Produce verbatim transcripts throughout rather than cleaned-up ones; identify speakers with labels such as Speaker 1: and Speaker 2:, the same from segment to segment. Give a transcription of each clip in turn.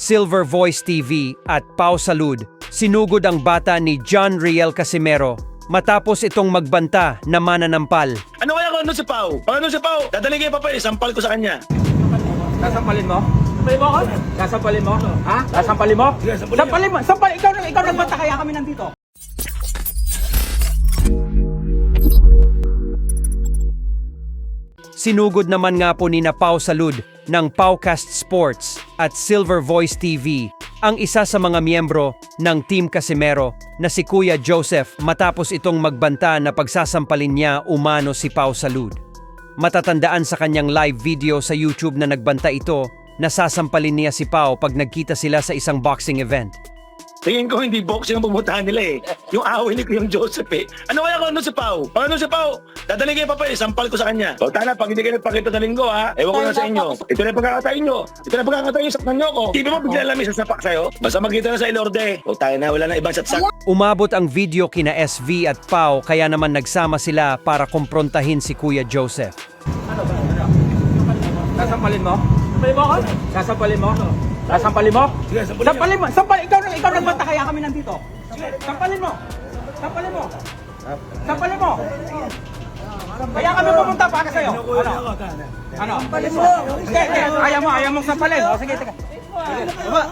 Speaker 1: Silver Voice T V at Pau Salud, sinugod ang bata ni John Riel Casimero matapos itong magbanta na mananampal.
Speaker 2: Ano kaya kung ano si Pau? Pag ano si Pau, dadaling kayo pa pa, sampal ko sa kanya.
Speaker 3: Sasampalin mo? Sampalin mo ako? Sasampalin mo? Ha? Sasampalin mo?
Speaker 2: Sige, sampalin
Speaker 3: Sampalin mo! Sampalin! Ikaw, ikaw nagbanta kaya kami nandito.
Speaker 1: Sinugod naman nga po ni na Pau Salud ng Paucast Sports at Silver Voice T V ang isa sa mga miyembro ng Team Casimero na si Kuya Joseph matapos itong magbanta na pagsasampalin niya umano si Pau Salud. Matatandaan sa kanyang live video sa YouTube na nagbanta ito na sasampalin niya si Pau pag nagkita sila sa isang boxing event.
Speaker 2: Tingin ko hindi boxing ang pumuntahan nila eh. Yung away ni Kuya Joseph eh. Ano kaya kung ano si Pau? Pag ano si Pau, dadaling kayo pa pa, sampal ko sa kanya. O tana, pag hindi kayo nagpakita sa linggo ha, ewan ko na sa inyo. Ito na yung pagkakatayin nyo. Ito na yung pagkakatayin nyo, saktan nyo ko. Di ba mo bigla lang may sasapak sa'yo? Basta magkita na sa ilorde. O tayo na, wala na ibang satsak.
Speaker 1: Umabot ang video kina S V at Pau kaya naman nagsama sila para kumprontahin si Kuya Joseph.
Speaker 3: Ano ba? Sasampalin mo? Sasampalin mo ako? Sasampalin mo? Sasampalin mo?
Speaker 2: Sige, sampalin
Speaker 3: Sampalin mo! Sampalin! Ikaw, ikaw nagbanta kaya kami nandito. Sampalin mo! Sampalin mo! Sampalin mo! Kaya kami pumunta para sa'yo. Ano? Ano? Sampalin mo! Sige, sige. Ayaw mo, ayaw mong sampalin. O, sige, sige. Baba!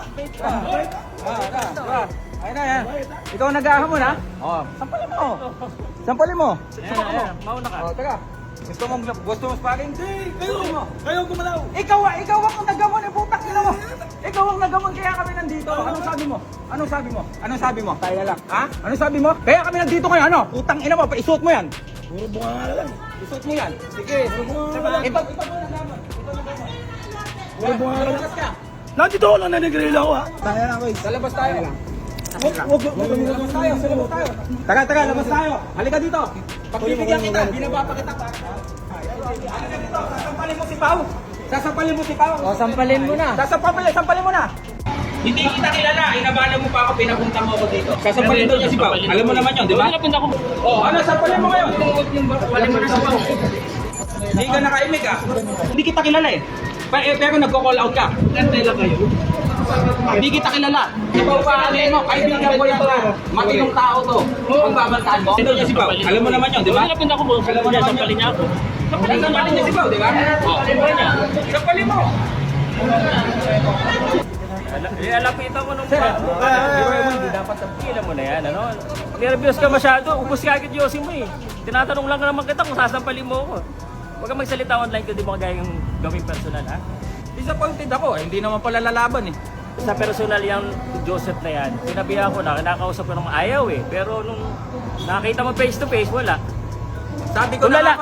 Speaker 3: Ayun na, yan. Ikaw nag-ahamon, ha? O, sampalin mo! Sampalin mo! Sampalin mo! Mauna ka. O, taga. Gusto mong gusto mong sparring? Hindi! Kayo! Kayo gumalaw! Ikaw, ikaw ang nagamon! Eh, putak nila mo! Ikaw ang nagamon kaya kami nandito! Anong sabi mo? Anong sabi mo? Anong sabi mo? Tayo na lang. Ha? Anong sabi mo? Kaya kami nandito ngayon, ano? Putang ina mo, paisuot mo yan!
Speaker 2: Puro bunga nga lang.
Speaker 3: Isuot mo yan! Sige! Puro bunga nga lang! Ito, ito mo nagamon! Ito nagamon!
Speaker 2: Puro bunga nga lang.
Speaker 3: Lalabas ka!
Speaker 2: Nandito ako lang, nanigreal ako ha.
Speaker 3: Tayo na, boy! Lalabas tayo! Wag, wag, wag, labas tayo, labas tayo. Taga, taga, labas tayo. Halika dito. Pagbibigyan kita, binaba pa kita pa. Halika dito, sasampalin mo si Pau. Sasampalin mo si Pau.
Speaker 4: O, sampalin mo na.
Speaker 3: Sasampalin, sampalin mo na. Hindi kita kilala, inabala mo pa ako, pinapunta mo ako dito. Sasampalin daw niya si Pau. Alam mo naman yun, di ba? Oh, ano, sampalin mo ngayon. Sampalin mo na si Pau. Hindi ka nakaimik ah. Hindi kita kilala eh. Pero, pero nagko-call out ka. Kantela kayo. Hindi kita kilala. Ikaw pa, ano mo, kaibigan ko yan ka. Matinong tao to. Pagbabantaan mo. Sino niya si Pau? Alam mo naman yun, di ba?
Speaker 4: Pinapin ako mo.
Speaker 3: Alam mo naman
Speaker 4: Sampalin niya ako.
Speaker 3: Sampalin, sampalin niya si Pau, di ba? Oo. Sampalin mo.
Speaker 4: Eh, alapitan mo nung hindi dapat tapilan mo na yan, ano? Nervyos ka masyado, ubos ka agad yosin mo eh. Tinatanong lang naman kita kung sasampalin mo ako. Huwag kang magsalita online kung di mo kagaya yung gawing personal, ha?
Speaker 3: Disappointed ako, eh. Hindi naman pala lalaban eh.
Speaker 4: Sa personal yung Joseph na yan, sinabihan ko na, kinakausap ko ng ayaw eh. Pero nung nakita mo face to face, wala.
Speaker 3: Sabi ko
Speaker 4: Tulala.
Speaker 3: na